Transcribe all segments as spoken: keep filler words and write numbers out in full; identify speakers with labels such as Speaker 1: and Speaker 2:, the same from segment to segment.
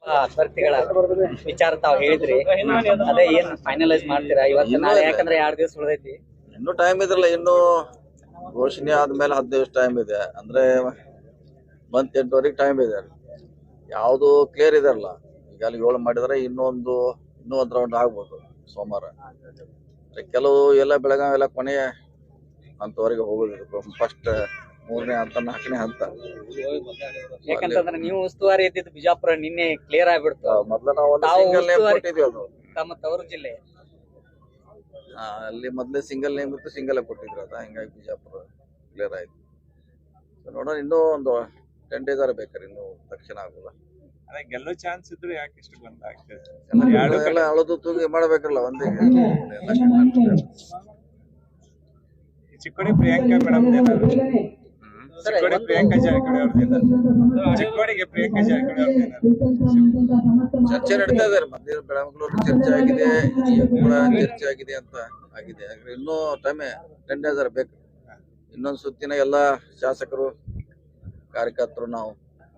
Speaker 1: ಅಭ್ಯರ್ಥಿಗಳ ವಿಚಾರ ತಾವ್ ಹೇಳಿದ್ರಿ, ಅದೇ ಏನ್ ಫೈನಲೈಸ್ ಮಾಡ್ತೀರಾ ಇವತ್ತು ನಾಳೆ? ಯಾಕಂದ್ರೆ ಎರಡ್ ದಿವಸ ಉಳಿದೈತಿ,
Speaker 2: ಇನ್ನು ಟೈಮ್ ಇದ್ರಲ್ಲ. ಇನ್ನು ಘೋಷಣೆ ಆದ್ಮೇಲೆ ಹತ್ತು ದಿವಸ ಟೈಮ್ ಇದೆ ಅಂದ್ರೆ ಮಂತ್ ಎಂಟುವರೆಗೆ ಟೈಮ್ ಇದೆ. ಯಾವುದು ಕ್ಲಿಯರ್ ಇದೆಲ್ಲ. ಈಗ ಅಲ್ಲಿ ಏಳು ಮಾಡಿದ್ರೆ ಇನ್ನೊಂದು ಇನ್ನೂ ಒಂದ್ ರೌಂಡ್ ಆಗ್ಬೋದು ಸೋಮವಾರ. ಕೆಲವು ಎಲ್ಲ ಬೆಳಗಾವಿ ಎಲ್ಲ ಕೊನೆಯ ಹಂತವರೆಗೆ ಹೋಗೋದಿರುತ್ತೆ. ಫಸ್ಟ್ ಮೂರನೇ ಹಂತ, ನಾಲ್ಕನೇ ಹಂತ.
Speaker 1: ಯಾಕಂತಂದ್ರೆ ನೀವು ಉಸ್ತುವಾರಿ ಇದ್ದಿದ್ದು ಬಿಜಾಪುರ ನಿನ್ನೆ ಕ್ಲಿಯರ್ ಆಗ್ಬಿಡ್ತು.
Speaker 2: ಮೊದ್ಲು ನಾವು ಒಂದು ಸಿಂಗಲ್ ನೇಮ್ ಕೊಟ್ಟಿದ್ವಿ. ಅದು
Speaker 1: ತಮ್ಮ ತವರು ಜಿಲ್ಲೆ
Speaker 2: ಅಲ್ಲಿ ಮೊದ್ಲೇ ಸಿಂಗಲ್ ನೇಮ್ ಇತ್ತು, ಸಿಂಗಲ್ ಕೊಟ್ಟಿದ್ರು. ಅದ ಹಿಂಗಾಗಿ ಬಿಜಾಪುರ ಕ್ಲಿಯರ್ ಆಯ್ತು. ನೋಡೋಣ, ಇನ್ನೂ ಒಂದು ಟೆನ್ ಡೇಸ್ ಆರ ಬೇಕಾರೆ, ಇನ್ನು ತಕ್ಷಣ ಆಗೋಲ್ಲ.
Speaker 3: ಅದೇ ಗೆಲ್ಲೋ ಚಾನ್ಸ್ ಇದ್ರೆ ಯಾಕೆ ಇಷ್ಟು ಬಂದ
Speaker 2: ಎಲ್ಲ ಅಳದು ತೂಗಿ ಮಾಡ್ಬೇಕಲ್ಲ ಒಂದೇ.
Speaker 3: ಚಿಕ್ಕೋಡಿ ಪ್ರಿಯಾಂಕಾ ಮೇಡಮ್ ಚಿಕ್ಕೋಡಿ ಪ್ರಿಯಾಂಕಾ ಜಾರಕಿಹೊಳಿ ಅವ್ರದ್ದು ಚಿಕ್ಕೋಡಿಗೆ ಪ್ರಿಯಾಂಕಾ ಜಾರಕಿಹೊಳಿ ಅವ್ರದ್ದು
Speaker 2: ಚರ್ಚೆ ನಡೀತಾ ಇದಾರೆ. ಮಂದಿರ ಬೆಳಮಗಳೂರು ಚರ್ಚೆ ಆಗಿದೆ, ಕೂಡ ಚರ್ಚೆ ಆಗಿದೆ ಅಂತ ಆಗಿದೆ. ಇನ್ನೂ ಟೈಮ್ ಟೆನ್ ಡೇಸ್ ಆರ ಬೇಕು. ಇನ್ನೊಂದು ಸುತ್ತಿನ ಎಲ್ಲಾ ಶಾಸಕರು, ಕಾರ್ಯಕರ್ತರು ನಾವು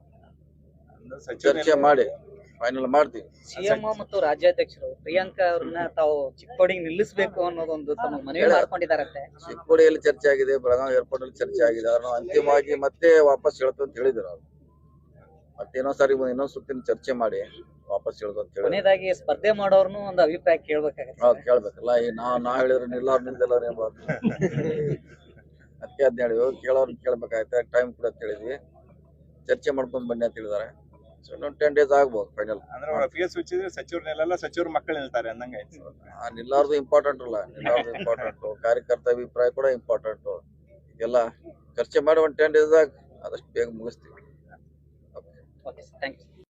Speaker 2: ಚರ್ಚೆ ಮಾಡಿ ಫೈನಲ್ ಮಾಡ್ತೀವಿ.
Speaker 1: ಸಿಎಂ ಮತ್ತು ರಾಜ್ಯಾಧ್ಯಕ್ಷರು ಪ್ರಿಯಾಂಕಾ ಅವ್ರನ್ನ ತಾವು ಚಿಕ್ಕೋಡಿಗೆ ನಿಲ್ಲಿಸಬೇಕು ಅನ್ನೋದೊಂದು ತಮ್ಮ ಮನವಿ ಮಾಡ್ಕೊಂಡಿದಾರಂತೆ.
Speaker 2: ಚಿಕ್ಕೋಡಿಯಲ್ಲಿ ಚರ್ಚೆ ಆಗಿದೆ, ಬೆಳಗಾವಿ ಏರ್ಪೋರ್ಟ್ ಅಲ್ಲಿ ಚರ್ಚೆ ಆಗಿದೆ. ಅವ್ರನ್ನ ಅಂತಿಮವಾಗಿ ಮತ್ತೆ ವಾಪಸ್ ಹೇಳ್ತು ಅಂತ ಹೇಳಿದ್ರು. ಅವ್ರು ಮತ್ತೆ ಇನ್ನೊಂದ್ ಸಾರಿ ಇನ್ನೊಂದ್ ಸುತ್ತಿನ ಚರ್ಚೆ ಮಾಡಿ ವಾಪಸ್ ಹೇಳುದು ಅಂತ ಹೇಳಿ.
Speaker 1: ಕೊನೆಯದಾಗಿ ಸ್ಪರ್ಧೆ ಮಾಡೋರ್ನು ಒಂದು ಅಭಿಪ್ರಾಯ ಕೇಳ್ಬೇಕಾಗತ್ತೆ.
Speaker 2: ಹೌದು, ಕೇಳ್ಬೇಕಲ್ಲ. ಈ ನಾ ನಾ ಹೇಳಿದ್ರೆ ನಿಲ್ಲಾರ್ ನಿಲ್ದಿಲ್ಲ ಏನ್ಬಾರ್ದು. ಅದಕ್ಕೆ ಅದ್ನ ಹೇಳಿದ್ವಿ, ಕೇಳೋರ್ನ ಕೇಳ್ಬೇಕಾಯ್ತು. ಟೈಮ್ ಕೂಡ ಅಂತ ಹೇಳಿದ್ವಿ, ಚರ್ಚೆ ಮಾಡ್ಕೊಂಡ್ ಬನ್ನಿ ಅಂತ ಹೇಳಿದಾರೆ. ಸೊ ಇನ್ನೊಂದು ಟೆನ್ ಡೇಸ್ ಆಗ್ಬೋದು ಫೈನಲ್.
Speaker 3: ಅಂದ್ರೆ ಫಿಯಸ್ ಹುಚ್ಚಿದ್ರೆ ಸಚಿವರನ್ನೆಲ್ಲ ಸಚಿವರು ಮಕ್ಕಳು ನಿಲ್ತಾರೆ ಅಂದಂಗ ಆಯ್ತು.
Speaker 2: ನಿಲ್ಲಾರ್ದು ಇಂಪಾರ್ಟೆಂಟ್ ಅಲ್ಲ, ನಿಲ್ಲಾರ್ದು ಇಂಪಾರ್ಟೆಂಟ್. ಕಾರ್ಯಕರ್ತ ಅಭಿಪ್ರಾಯ ಕೂಡ ಇಂಪಾರ್ಟೆಂಟ್. ಎಲ್ಲ ಚರ್ಚೆ ಮಾಡಿ ಒಂದು ಟೆನ್ ಡೇಸ್ ಆಗ ಆದಷ್ಟು ಬೇಗ ಮುಗಿಸ್ತೀವಿ.
Speaker 1: Okay, thank you.